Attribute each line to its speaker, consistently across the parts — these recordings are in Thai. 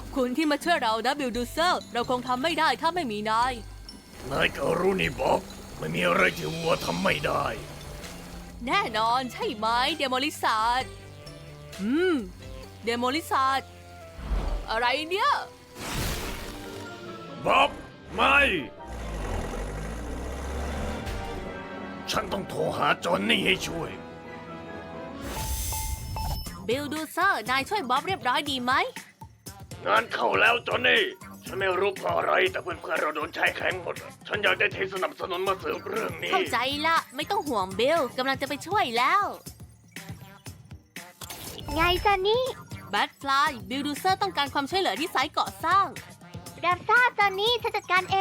Speaker 1: คุณที่มาช่วยเรานะบิลดูเซอร์เราคงทำไม่ได้ถ้าไม่มีนาย
Speaker 2: นายก็รู้นี่บ๊อบไม่มีอะไรที่วัวทำไม่ได้
Speaker 1: แน่นอนใช่ไหมเดโมลิซาร์ดเดโมลิซาร์ดอะไรเนี่ย
Speaker 2: บ๊อบไม่ ฉันต้องโทรหาจอนนี่ให้ช่วย
Speaker 1: บิลดูเซอร์นายช่วยบ๊อบเรียบร้อยดีไหม
Speaker 2: งานเข้าแล้วจอนนี่ฉันไม่รู้เพราะอะไรแต่เพื่อนๆเราโดนใช้แข็งหมด ฉันอยากได้ทีมสนับสนุนมาสืบเรื่องนี้
Speaker 1: เข้าใจละไม่ต้องห่วงบิลกำลังจะไปช่วยแล้ว
Speaker 3: ไงซันนี่
Speaker 1: แบทฟลายบิลดูเซอร์ต้องการความช่วยเหลือที่ไซต์ก่อสร้าง
Speaker 3: รับทราบซันนี่ฉันจัดการเอง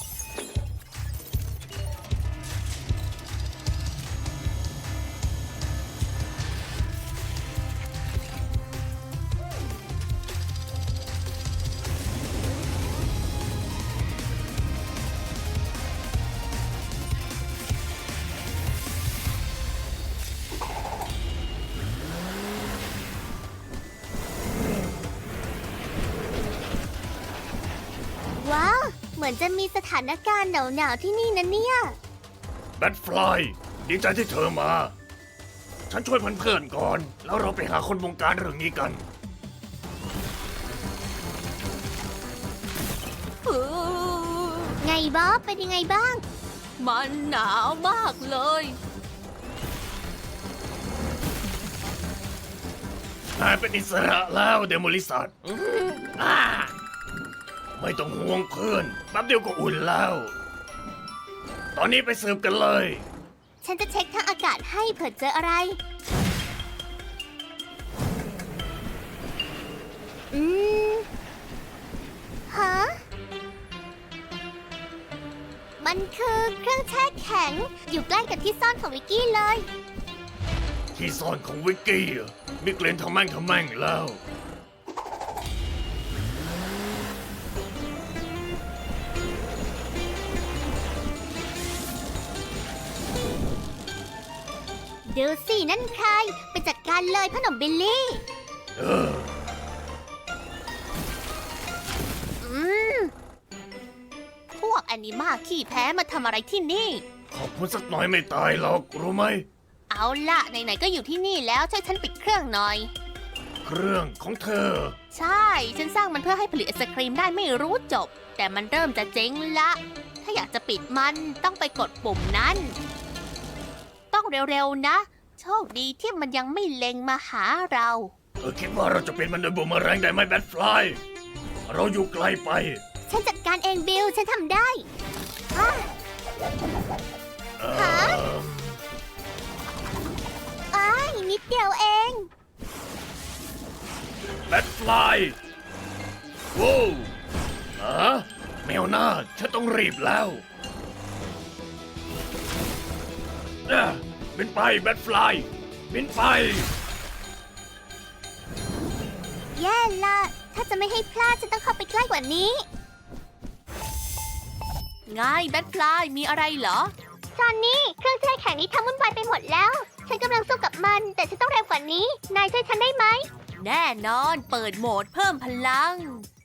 Speaker 3: ว้าว เหมือนจะมีสถานการณ์หนาวๆที่นี่นะเนี่ย
Speaker 2: แบทฟลายดีใจที่เธอมา ฉันช่วยเพื่อนๆก่อน แล้วเราไปหาคนวงการเรื่องนี้กัน
Speaker 3: ไงบ๊อบเป็นยังไงบ้าง
Speaker 1: มันหนาวมากเลย
Speaker 2: นายเป็นอิสระแล้วเดโมลิสัตไม่ต้องห่วงเพื่อนแป๊บเดียวก็อุ่นแล้ว ตอนนี้ไปสืบกันเลย
Speaker 3: ฉันจะเช็คทางอากาศให้เผื่อเจออะไร อืม ฮะ มันคือเครื่องแช่แข็ง อยู่ใกล้กับที่ซ่อนของวิกกี้เลย
Speaker 2: ที่ซ่อนของวิกกี้มีกลิ่นทำแม่งแล้ว
Speaker 3: ดูสินั่นใคร ไปจัดการเลยพ่อหนุ่มบิลลี่
Speaker 2: เออ
Speaker 3: อืม
Speaker 1: พวกแอนิมาขี้แพ้มาทำอะไรที่นี่
Speaker 2: ขอบคุณสักหน่อยไม่ตายหรอกรู้ไหม
Speaker 1: เอาล่ะไหนๆก็อยู่ที่นี่แล้วช่วยฉันปิดเครื่องหน่อย
Speaker 2: เครื่องของเธอ
Speaker 1: ใช่ ฉันสร้างมันเพื่อให้ผลิตไอศครีมได้ไม่รู้จบ แต่มันเริ่มจะเจ๊งละ ถ้าอยากจะปิดมันต้องไปกดปุ่มนั้น ต้องเร็วๆนะ โชคดีที่มันยังไม่เล็งมาหาเรา
Speaker 2: คิดว่าเราจะเป็นมันโดยบูมเมอแรงได้ไหมแบทฟลาย เราอยู่ไกลไป
Speaker 3: ฉันจัดการเองบิล ฉันทำได้อ่ะ ฮะ อ้ายนิดเดียวเอง
Speaker 2: แบทฟลายว้าวแมวหน้าฉันต้องรีบแล้วบินไปแบทฟลายบินไป
Speaker 3: แย่ละถ้าจะไม่ให้พลาดฉันต้องเข้าไปใกล้กว่านี้
Speaker 1: ง่ายแบทฟลายมีอะไรเหรอ
Speaker 3: จอนนี่ เครื่องแช่แข็งนี้ทำวุ่นวายไปหมดแล้ว ฉันกำลังสู้กับมัน แต่ฉันต้องเร็วกว่านี้ นายช่วยฉันได้ไหม
Speaker 1: แน่นอนเปิดโหมดเพิ่มพลัง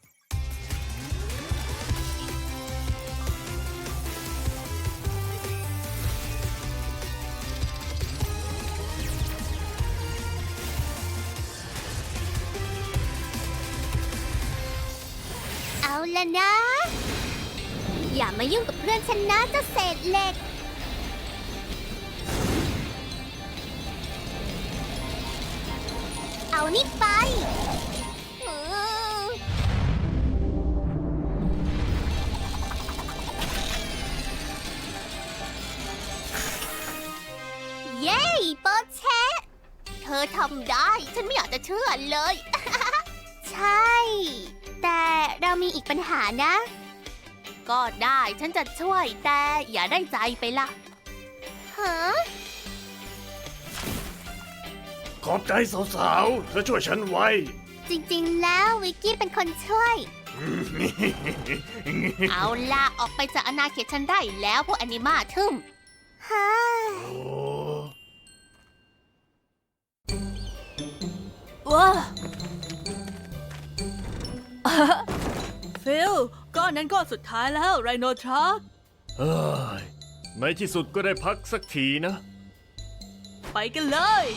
Speaker 3: เอาละนะ อย่ามายุ่งกับเพื่อนฉันนะเจ้าเศษเหล็ก เอานี่ไปอืมเย้โปเชะเธอทำได้ ฉันไม่อยากจะเชื่อเลย ใช่ แต่เรามีอีกปัญหานะ
Speaker 1: ก็ได้ฉันจะช่วยแต่อย่าได้ใจไปล่ะ
Speaker 3: ฮะ
Speaker 2: ขอบใจสาวๆ เธอช่วยฉันไว้
Speaker 3: จริงๆ แล้ววิกกี้เป็นคนช่วย
Speaker 1: เอาล่ะออกไปจากอาณาเขตฉันได้แล้วพวกแอนิมาทึม
Speaker 3: ฮะ
Speaker 2: โอ้
Speaker 1: ว้า
Speaker 4: ฟิลก้อนนั้นก้อนสุดท้ายแล้วไรโนทรัค
Speaker 2: เฮ้ยในที่สุดก็ได้พักสักทีนะ
Speaker 4: ไปกันเลย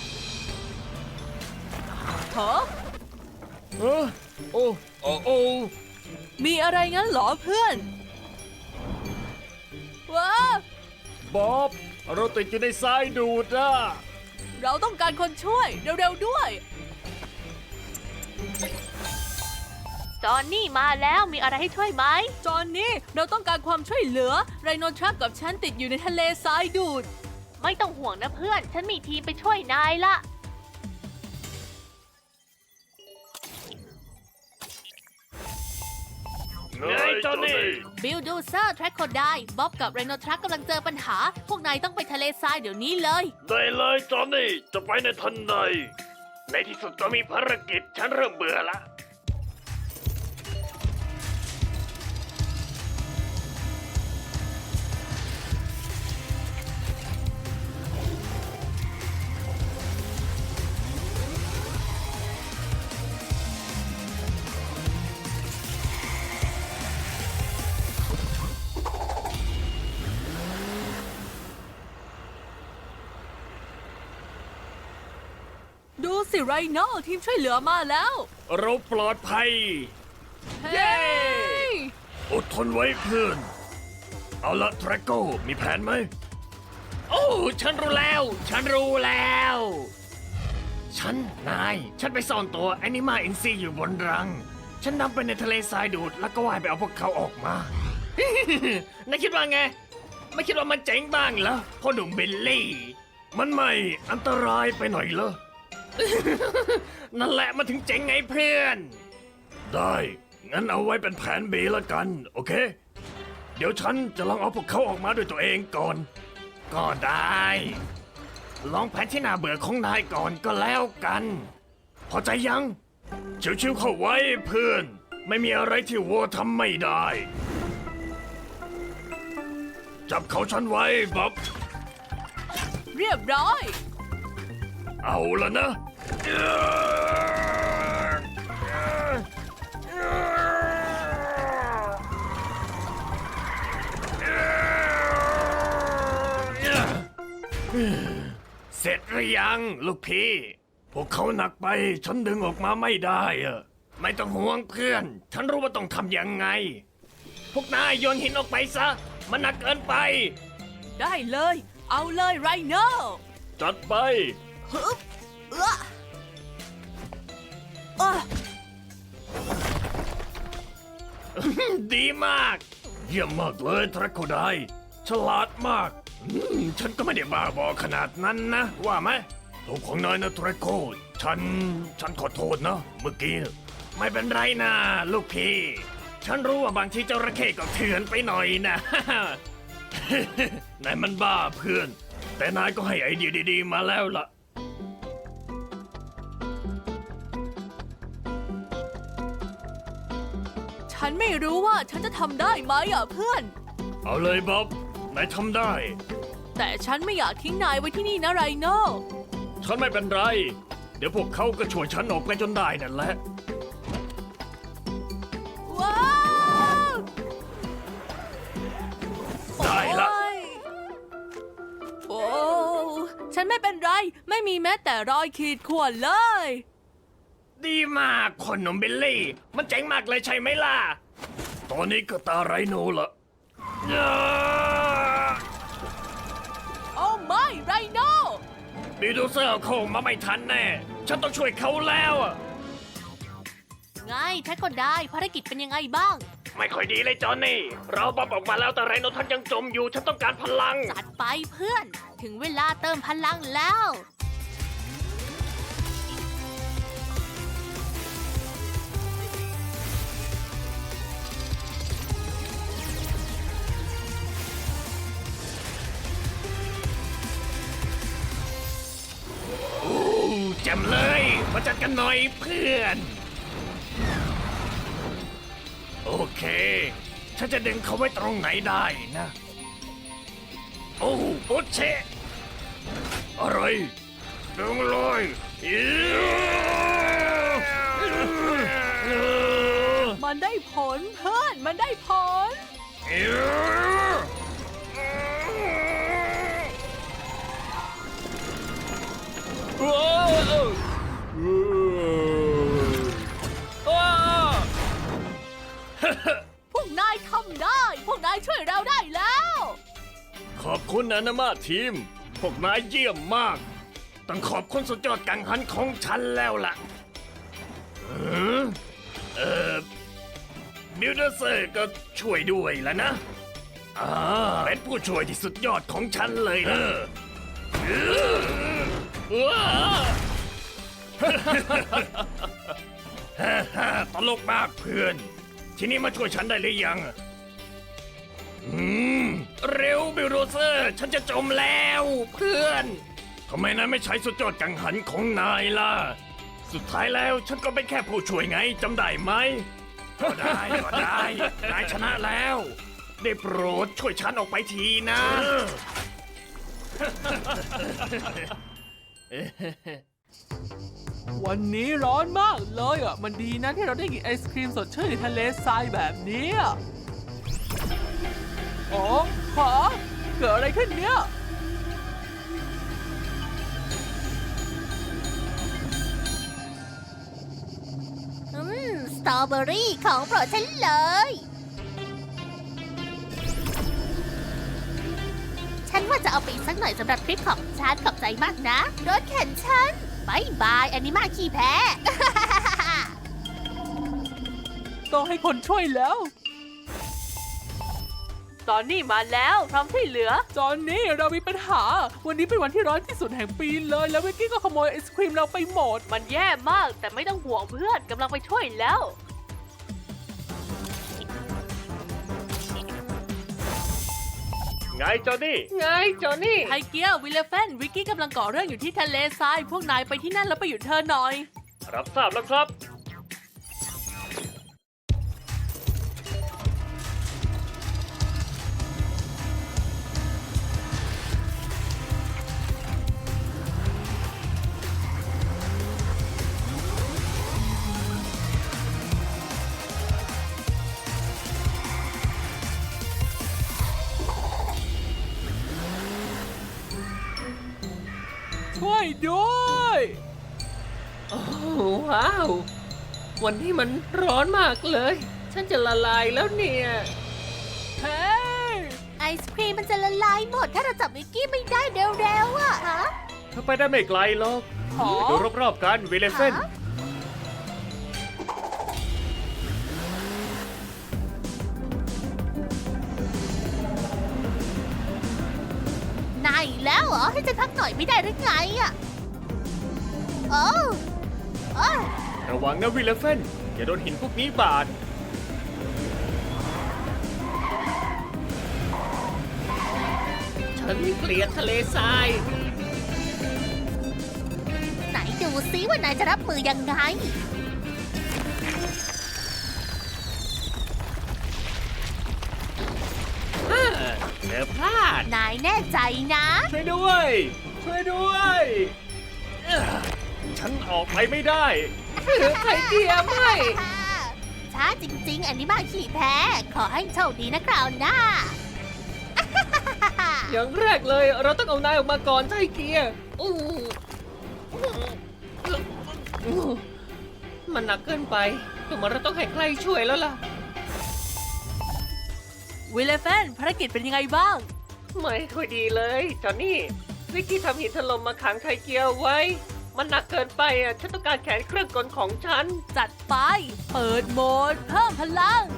Speaker 4: โถ
Speaker 2: เออโอ้โอ้โอ้
Speaker 4: มีอะไรงั้นเหรอเพื่อนว้า
Speaker 2: บ๊อบเราติดอยู่ในทรายดูดอ่ะ
Speaker 4: เราต้องการคนช่วยเร็วๆด้วย
Speaker 1: จอนนี่มาแล้วมีอะไรให้ช่วยไหม
Speaker 4: จอนนี่เราต้องการความช่วยเหลือไรโนทรัคกับฉันติดอยู่ในทะเลทรายดูด
Speaker 1: ไม่ต้องห่วงนะเพื่อน ฉันมีทีมไปช่วยนายละ
Speaker 2: ไงจอนนี่
Speaker 1: บิลดูเซอร์แทร็กโคไดบ๊อบกับไรโนทรัคกำลังเจอปัญหา พวกนายต้องไปทะเลทรายเดี๋ยวนี้เลย
Speaker 2: ได้เลยจอนนี่จะไปในทันใดในที่สุดก็มีภารกิจฉันเริ่มเบื่อละ
Speaker 4: ดูสิไรโนทีมช่วยเหลือมาแล้ว
Speaker 2: เราปลอดภัย
Speaker 4: เย้
Speaker 2: อดทนไว้เพื่อน เอาละทรโกมีแผนไหม โอ้ ฉันรู้แล้ว ฉันรู้แล้ว ฉันไปซ่อนตัวแอนิมาอินซีอยู่บนรัง ฉันนำไปในทะเลทรายดูด แล้วก็ว่ายไปเอาพวกเขาออกมา นายคิดว่าไง ไม่คิดว่ามันเจ๋งบ้างเหรอพ่อหนุ่มเบลลี่ มันไม่อันตรายไปหน่อยเหรอ นั่นแหละมันถึงเจ๋งไงเพื่อน ได้ งั้นเอาไว้เป็นแผน B ละกัน โอเค เดี๋ยวฉันจะลองเอาพวกเขาออกมาด้วยตัวเองก่อน ก็ได้ ลองแผนที่น่าเบื่อของนายก่อนก็แล้วกัน พอใจยังชิวๆเข้าไว้เพื่อน ไม่มีอะไรที่วัวทำไม่ได้ จับเขาฉันไว้บ๊อบ
Speaker 4: เรียบร้อย
Speaker 2: เอาละนะ เสร็จหรือยังลูกพี่ พวกเขาหนักไป ฉันดึงออกมาไม่ได้อะไม่ต้องห่วงเพื่อน ฉันรู้ว่าต้องทำยังไง พวกนายโยนหินออกไปซะ มันหนักเกินไป
Speaker 4: ได้เลย เอาเลยไรโน
Speaker 2: จัดไป
Speaker 4: ฮึบอ่ะ
Speaker 2: ดีมาก เยี่ยมมากเลยทรัคโคไดฉลาดมาก ฉันก็ไม่ได้บ้าบอขนาดนั้นนะ ว่าไหมถูกของนายนะทรัคโคฉันขอโทษนะ เมื่อกี้น่ะไม่เป็นไรนะลูกพี่ ฉันรู้ว่าบางทีเจ้าระเข้ก็เถื่อนไปหน่อยนะ นายมันบ้าเพื่อน แต่นายก็ให้ไอเดียดีๆมาแล้วล่ะ
Speaker 4: ฉันไม่รู้ว่าฉันจะทำได้ไหมอ่ะเพื่อน
Speaker 2: เอาเลยบ๊อบ นายทำได้
Speaker 4: แต่ฉันไม่อยากทิ้งนายไว้ที่นี่นะไรโน
Speaker 2: ฉันไม่เป็นไร เดี๋ยวพวกเขาก็ช่วยฉันออกไปจนได้นั่นแหละ
Speaker 4: ว้าว
Speaker 2: ได้ละ
Speaker 4: โอ้ฉันไม่เป็นไร ไม่มีแม้แต่รอยขีดข่วนเลย
Speaker 2: ดีมากคนหนุ่มบิลลี่ มันเจ๋งมากเลยใช่ไหมล่ะ ตอนนี้ก็ตาไรโนละอ่า
Speaker 4: โอ้ไม่ไรโน
Speaker 2: บิลดูเซอร์เข้ามาไม่ทันแน่ ฉันต้องช่วยเขาแล้วอะ
Speaker 1: ไงแทร็กโคไดภารกิจเป็นยังไงบ้าง
Speaker 2: ไม่ค่อยดีเลยจอนนี่ เราบ๊อบออกมาแล้วแต่ไรโนท่านยังจมอยู่ ฉันต้องการพลัง
Speaker 1: จัดไปเพื่อน ถึงเวลาเติมพลังแล้ว
Speaker 2: แจ่มเลย มาจัดกันหน่อยเพื่อน โอเค ฉันจะดึงเขาไว้ตรงไหนได้นะ โอ้โอเชะอะไรดึงเลย
Speaker 4: ไม่มันได้ผลเพื่อนมันได้ผล พวกนายทำได้ พวกนายช่วยเราได้แล้ว
Speaker 2: ขอบคุณนะนามาทีม พวกนายเยี่ยมมาก ต้องขอบคุณสุดยอดกังหันของฉันแล้วล่ะบิลเดอร์เซอร์ก็ช่วยด้วยแล้วนะเป็นผู้ช่วยที่สุดยอดของฉันเลยนะตลกมากเพื่อน ทีนี้มาช่วยฉันได้หรือยัง เร็วบิลโดเซอร์ ฉันจะจมแล้วเพื่อนทำไมนายไม่ใช้สุดยอดกังหันของนายล่ะ สุดท้ายแล้วฉันก็เป็นแค่ผู้ช่วยไงจำได้ไหมก็ได้นายชนะแล้ว ได้โปรดช่วยฉันออกไปทีนะ
Speaker 4: วันนี้ร้อนมากเลยอ่ะ มันดีนะที่เราได้กินไอศครีมสดชื่นในทะเลทรายแบบนี้อะอ๋อฮะเกิดอะไรขึ้นเนี่ย
Speaker 3: สตรอเบอรี่ของโปรดฉันเลย ฉันว่าจะเอาไปอีกสักหน่อยสำหรับทริปของฉันขอบใจมากนะ รถเข็นฉันบายบายแอนิมาขี้แพ้
Speaker 4: ต้องให้คนช่วยแล้ว ตอนนี้มาแล้วพร้อมช่วยเหลือ ตอนนี้เรามีปัญหา วันนี้เป็นวันที่ร้อนที่สุดแห่งปีเลย แล้ววิกกี้ก็ขโมยไอศครีมเราไปหมด มันแย่มาก แต่ไม่ต้องห่วงเพื่อนกำลังไปช่วยแล้ว
Speaker 2: ไงจอนี่
Speaker 4: ไทเกียร์วิลเลฟนวิกกี้กำลังก่อเรื่องอยู่ที่ทะเลทราย พวกนายไปที่นั่นแล้วไปหยุดเธอหน่อย
Speaker 2: รับทราบแล้วครับ
Speaker 4: ช่วยด้วย
Speaker 5: ว้าว วันนี้มันร้อนมากเลย ฉันจะละลายแล้วเนี่ย
Speaker 4: เฮ้ย
Speaker 3: ไอศครีมมันจะละลายหมด ถ้าเราจับวิกกี้ไม่ได้เร็วๆอะฮะ
Speaker 2: เธอไปได้ไม่ไกลหรอก
Speaker 4: หอ
Speaker 2: ดูรอบๆกันวิลเลฟน
Speaker 3: ฮะ นายอีกแล้วเหรอ ให้ฉันพักหน่อยไม่ได้หรือไงอะโอ้โอ้
Speaker 2: ระวังนะวิลเลฟนอย่าโดนหินพวกนี้บาด
Speaker 5: ฉันเกลียดทะเลทราย
Speaker 3: ไหนดูซิว่านายจะรับมือยังไง
Speaker 5: เธอพลาด
Speaker 3: นายแน่ใจนะ
Speaker 2: ช่วยด้วยฉันออกไปไม่ได้
Speaker 5: ไทเกียร์ไม่
Speaker 3: ช้าจริงๆ อันนี้มาขี่แพ้ ขอให้โชคดีนะคราวหน้า
Speaker 5: อย่างแรกเลยเราต้องเอานายออกมาก่อนไทเกียร์อู้มันหนักเกินไปดูเหมือนเราต้องให้ใครช่วยแล้วล่ะ
Speaker 4: วิลเลฟนภารกิจเป็นยังไงบ้าง
Speaker 5: ไม่ค่อยดีเลยจอนนี่วิกกี้ทำหินถล่มมาขังไทเกียร์ไว้ มันหนักเกินไปอ่ะฉันต้องการแขนเครื่องกลของฉัน
Speaker 4: จัดไป เปิดโหมด เพิ่มพลัง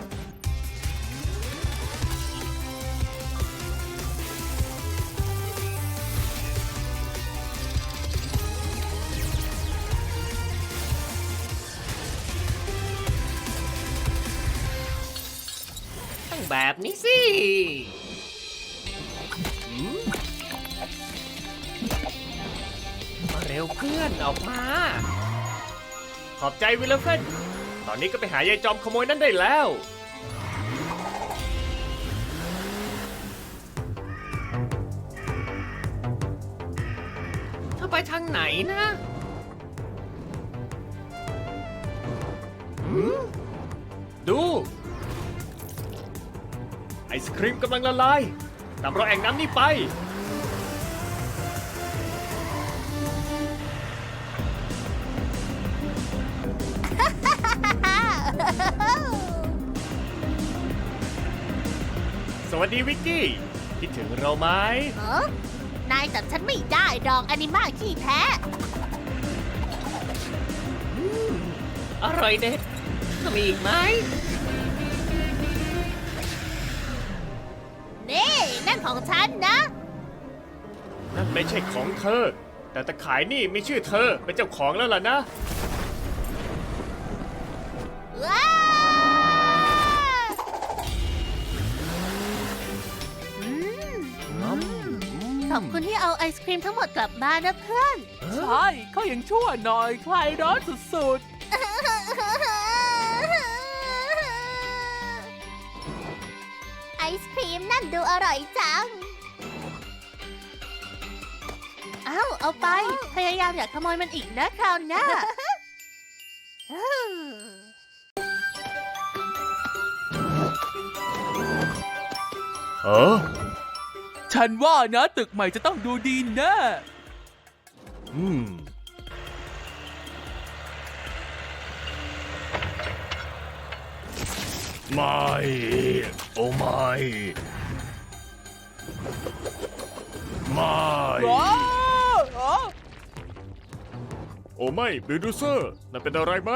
Speaker 5: ต้องแบบนี้สิมาเร็วเพื่อนออกมา
Speaker 2: ขอบใจวิลเลฟนตอนนี้ก็ไปหายายจอมขโมยนั่นได้แล้ว
Speaker 5: เธอไปทางไหนนะ
Speaker 2: นดู ไอศครีมกำลังละลายตามรอยแอ่งน้ำนี่ไป สวัสดีวิกกี้ คิดถึงเราไหม
Speaker 1: เออนายจับฉันไม่ได้ดอกอนิมาขี้แพ้
Speaker 5: อร่อยเด็ดมีอีกไหม
Speaker 1: นี่นั่นของฉันนะ
Speaker 2: นั่นไม่ใช่ของเธอ แต่ตะขายนี่มีชื่อเธอเป็นเจ้าของแล้วล่ะนะ
Speaker 1: ว้าอืมขอบคุณที่เอาไอศครีมทั้งหมดกลับมานะเพื่อน
Speaker 4: ใช่เขายังชั่วหน่อยคลายร้อนสุด
Speaker 3: ไอศครีมนั่นดูอร่อยจัง
Speaker 1: เอาไป พยายามอย่าขโมยมันอีกนะคราวหน้า
Speaker 2: เออ
Speaker 4: ๆ ฉันว่านะตึกใหม่จะต้องดูดีแน่
Speaker 2: อืม ไม่ โอ้ไม่ ไม่
Speaker 4: ว้าวอ๋อ
Speaker 2: โอ้ไม่บิลดูเซอร์นั่นเป็นอะไรไหม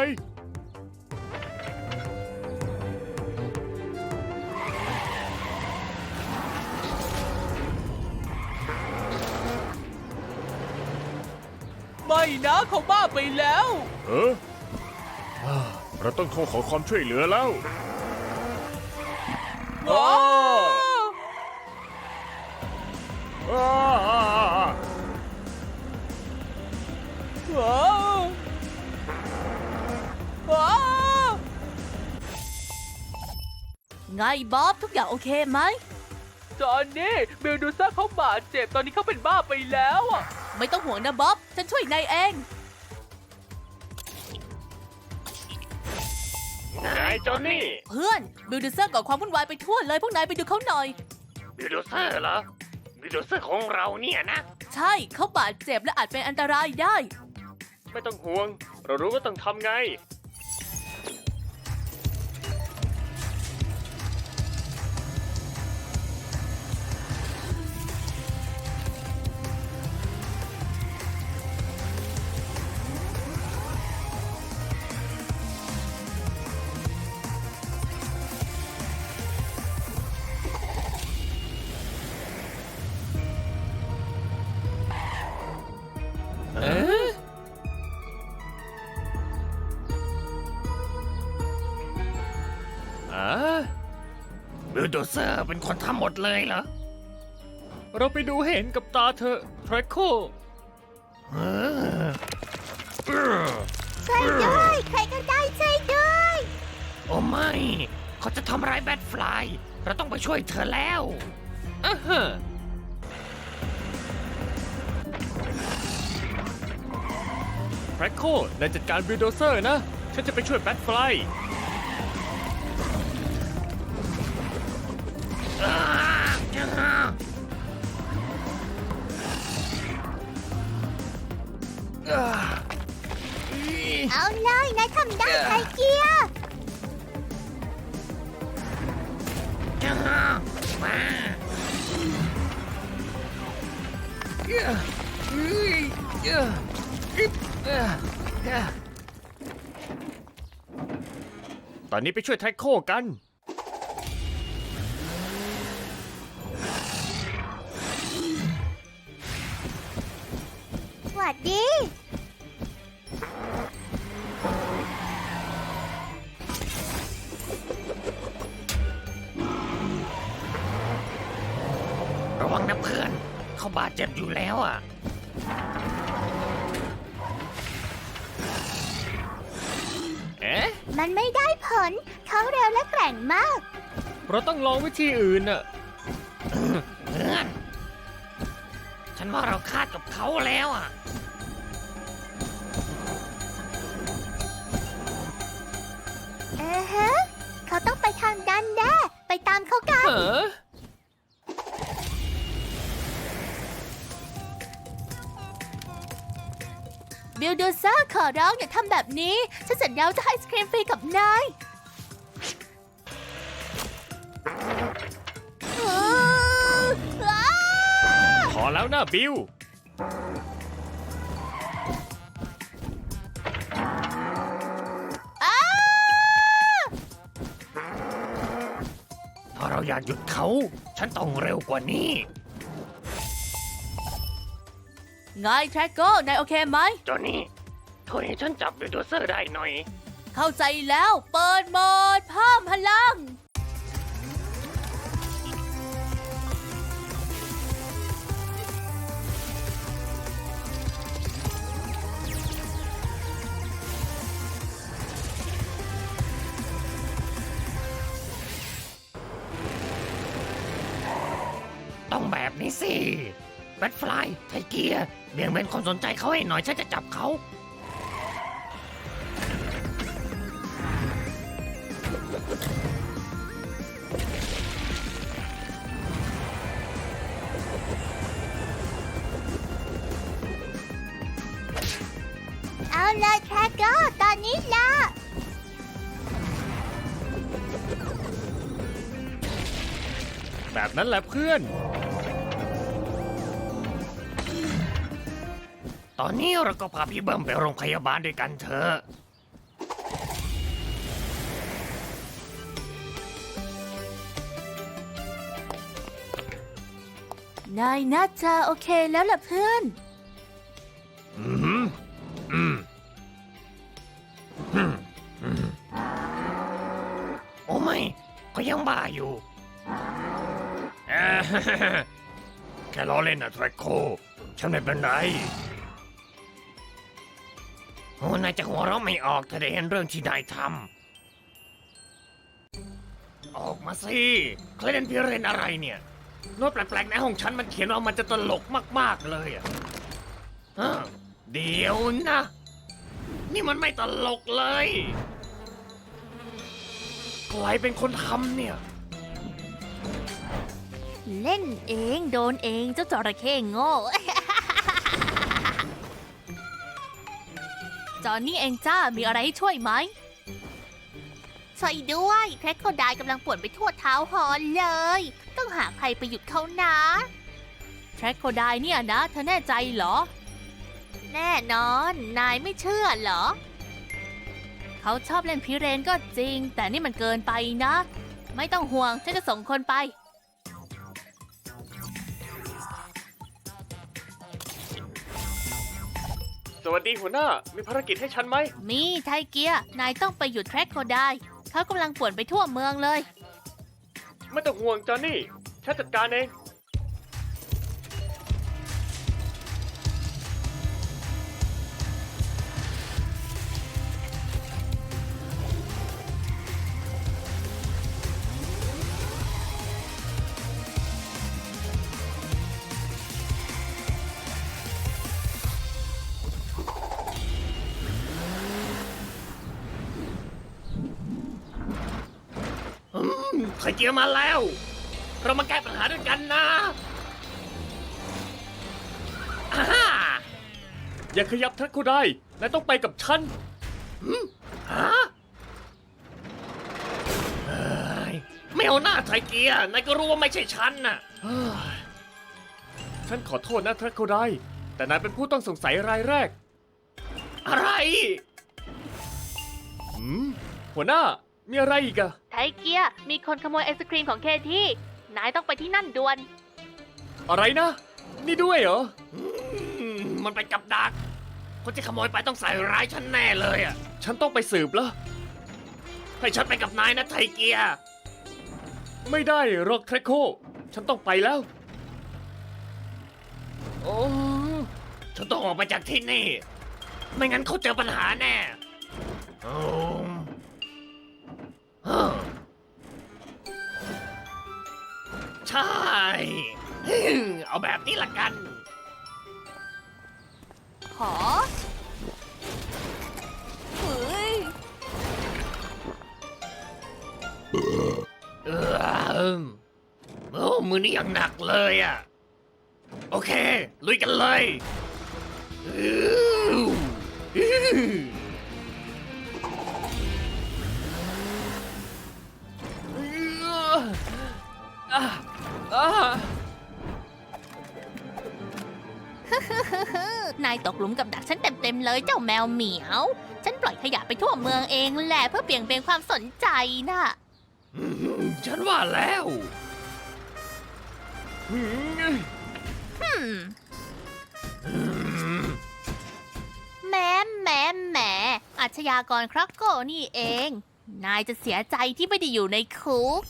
Speaker 4: ไม่นะเขาบ้าไปแล้ว
Speaker 2: เออเราต้องโทรขอความช่วยเหลือแล้ว
Speaker 4: ว้าว
Speaker 2: อ้า
Speaker 4: ว้าวว้าว
Speaker 1: ไงบ๊อบทุกอย่างโอเคไหม
Speaker 4: จอนนี่บิลดูซ่าเขาบาดเจ็บตอนนี้เขาเป็นบ้าไปแล้วอะ
Speaker 1: ไม่ต้องห่วงนะบ๊อบ ฉันช่วยนายเอง
Speaker 2: ไงจอนนี่
Speaker 1: เพื่อนบิลดูเซอร์ก่อความวุ่นวายไปทั่วเลย พวกนายไปดูเขาหน่อย
Speaker 2: บิลดูเซอร์เหรอ บิลดูเซอร์ของเราเนี่ยนะ
Speaker 1: ใช่เขาบาดเจ็บและอาจเป็นอันตรายได้
Speaker 2: ไม่ต้องห่วง เรารู้ว่าต้องทำไง บิลโดเซอร์เป็นคนทำหมดเลยเหรอ เราไปดูเห็นกับตาเธอทรโค
Speaker 3: ช่วยด้วย ใครก็ได้ช่วยด้วย
Speaker 2: โอ้ไม่ เขาจะทำร้ายแบทฟลาย เราต้องไปช่วยเธอแล้วทรโคนายจัดการบิลโดเซอร์นะ ฉันจะไปช่วยแบทฟลาย
Speaker 3: เอาเลยนายทำได้ไทเกียร์
Speaker 2: ตอนนี้ไปช่วยแท็กโคกัน
Speaker 3: สวัสดี
Speaker 2: ระวังนะเพื่อน เขาบาดเจ็บอยู่แล้วอ่ะ เอ๊ะ
Speaker 3: มันไม่ได้ผล เขาเร็วและแกร่งมาก
Speaker 2: เราต้องลองวิธีอื่นอ่ะ เพื่อน ฉันว่าเราคาดกับเขาแล้วอ่ะ
Speaker 3: ฮะไปทางนั้นแน่ไปตามเขากัน
Speaker 2: เออ
Speaker 1: บิลดูเซอร์ขอร้องอย่าทำแบบนี้ ฉันสัญญาว่าจะให้ไอศครีมฟรีกับนาย
Speaker 2: พอแล้วนะบิล ถ้าเราอยากหยุดเขา ฉันต้องเร็วกว่านี้
Speaker 1: ไงแทร็กโก้นายโอเคไหม
Speaker 5: จอห์นนี่ช่วยให้ฉันจับบิลโดเซอร์ได้หน่อย
Speaker 1: เข้าใจแล้วเปิดโหมดเพิ่มพลัง
Speaker 2: ต้องแบบนี้สิแบทฟลายไทเกียร์เบี่ยงเบนความสนใจเขาให้หน่อย ฉันจะจับเขา
Speaker 3: เอาเลยแทร็กเกอร์ตอนนี้ละ
Speaker 2: แบบนั้นแหละเพื่อน ตอนนี้เราก็พาพี่เบิ้มไปโรงพยาบาลด้วยกันเถอะ
Speaker 1: นายน่าจะโอเคแล้วล่ะเพื่อน
Speaker 2: อืมอืมอืมอืมโอ้ไม่ก็ยังบ้าอยู่ เอ้อแค่ล้อเล่นนะแทร็กโค ฉันไม่เป็นไร โอ้นายจะหัวเราะไม่ออกถ้าได้เห็นเรื่องที่นายทำ ออกมาสิเคลเดนพิเรนอะไรเนี่ยโน้ตแปลกๆในห้องฉันมันเขียนว่ามันจะตลกมากๆเลยอะเดี๋ยวนะ นี่มันไม่ตลกเลย ใครเป็นคนทำเนี่ย
Speaker 1: เล่นเองโดนเองเจ้าจระเข้โง่ จอนนี่เองจ้ามีอะไรให้ช่วยไหม
Speaker 3: ช่วยด้วยแทร็กโคไดกำลังป่วนไปทั่วเท้าฮอนเลย ต้องหาใครไปหยุดเขานะ
Speaker 1: แทร็กโคไดเนี่ยนะเธอแน่ใจเหรอ
Speaker 3: แน่นอนนายไม่เชื่อเหรอ
Speaker 1: เขาชอบเล่นพิเรนก็จริง แต่นี่มันเกินไปนะ ไม่ต้องห่วงฉันจะส่งคนไป
Speaker 5: สวัสดีหัวหน้า มีภารกิจให้ฉันไหม
Speaker 1: มีไทเกียร์นายต้องไปหยุดแทร็กโคไดเขากำลังป่วนไปทั่วเมืองเลย
Speaker 5: ไม่ต้องห่วงจอห์นนี่ ฉันจัดการเอง
Speaker 2: ไข่เจียวมาแล้ว เรามาแก้ปัญหาด้วยกันนะอ่าฮ่า
Speaker 5: อย่าขยับทักเขาได้นายต้องไปกับฉัน
Speaker 2: ฮะเอ้ยไม่เอาหน้าไทเกียร์นายก็รู้ว่าไม่ใช่ฉันน่ะ
Speaker 5: ฉันขอโทษนะทักเขาได้ แต่นายเป็นผู้ต้องสงสัยรายแรก
Speaker 2: อะไร
Speaker 5: หัวหน้า มีอะไรอีกอะ
Speaker 1: ไทเกียร์มีคนขโมยไอศครีมของเคที่นายต้องไปที่นั่นด่วน
Speaker 5: อะไรนะ นี่ด้วยเหรอ
Speaker 2: มันเป็นกับดัก คนที่ขโมยไปต้องใส่ร้ายฉันแน่เลยอ่ะ
Speaker 5: ฉันต้องไปสืบแล้ว
Speaker 2: ให้ฉันไปกับนายนะไทเกียร์
Speaker 5: ไม่ได้หรอกแทร็กโค ฉันต้องไปแล้ว โอ้
Speaker 2: ฉันต้องออกไปจากที่นี่ ไม่งั้นเขาเจอปัญหาแน่โอ้เฮ้อใช่ เอาแบบนี้ละกัน
Speaker 1: ขอเฮ้ย
Speaker 2: โอ้มือนี่ยังหนักเลยอ่ะ โอเค ลุยกันเลยอื้ออื้อ
Speaker 1: นายตกหลุมกับดักฉันเต็มๆเลยเจ้าแมวเหมียว ฉันปล่อยขยะไปทั่วเมืองเองแหละเพื่อเบี่ยงเบนความสนใจน่ะ
Speaker 2: ฉันว่าแล้ว
Speaker 1: แหมอาชญากรครักโกนี่เอง นายจะเสียใจที่ไม่ได้อยู่ในคุก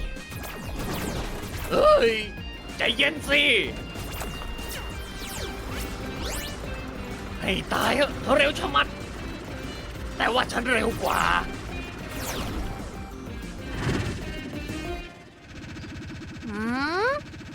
Speaker 2: เฮ้ย ใจเย็นสิ ให้ตายเถอะเร็วชะมัด แต่ว่าฉันเร็วกว่า
Speaker 1: หืม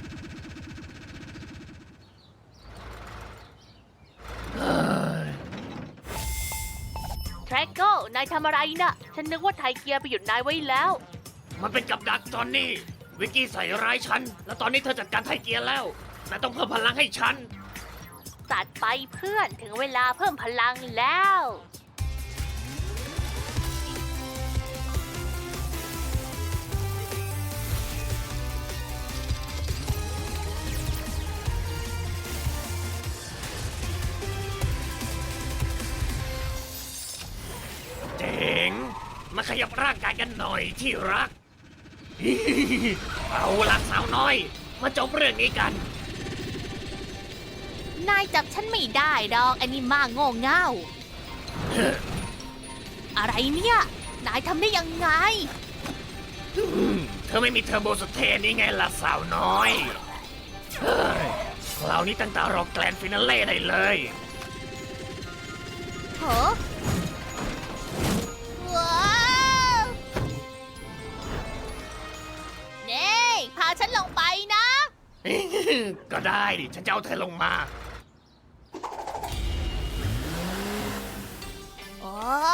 Speaker 4: แทร็กโก้นายทำอะไรน่ะ ฉันนึกว่าไทเกียร์ไปหยุดนายไว้แล้ว
Speaker 2: มันเป็นกับดักจอนนี่ วิกกี้ใส่ร้ายฉัน แล้วตอนนี้เธอจัดการไทเกียร์แล้วนายต้องเพิ่มพลังให้ฉัน
Speaker 1: ตัดไปเพื่อนถึงเวลาเพิ่มพลังแล้ว
Speaker 2: เจ๋ง มาขยับร่างกายกันหน่อยที่รัก เอาละสาวน้อย มาจบเรื่องนี้กัน
Speaker 1: นายจับฉันไม่ได้ดอกอันนี้มาโง่เง่า อะไรเนี่ย นายทำได้ยังไง
Speaker 2: เธอไม่มีเทอร์โบสเตนนี่ไงล่ะสาวน้อย เฮ้ยคราวนี้ตั้งตารอแกลนด์ฟินาเล่ได้เลย
Speaker 1: เหรอว้าวเน่พาฉันลงไปนะ
Speaker 2: ก็ได้ดิ ฉันจะเอาเธอลงมา
Speaker 1: โอ้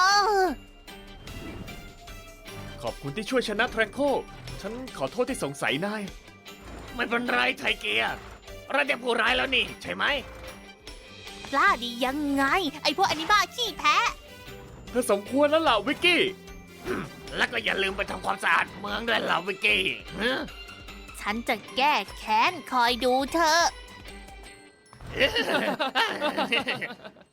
Speaker 6: ขอบคุณที่ช่วยชนะแทร็กโค ฉันขอโทษที่สงสัยนาย
Speaker 2: ไม่เป็นไรไทเกียร์เราจะผู้ร้ายแล้วนี่ ใช่ไหม
Speaker 1: กล้าดียังไง ไอพวกอนิบ้าขี้แพ้
Speaker 6: เธอสมควรแล้วล่ะวิกกี้
Speaker 2: แล้วก็อย่าลืมไปทำความสะอาดเมืองด้วยเหล่าวิกกี้ฮะ
Speaker 1: ฉันจะแก้แค้นคอยดูเธอ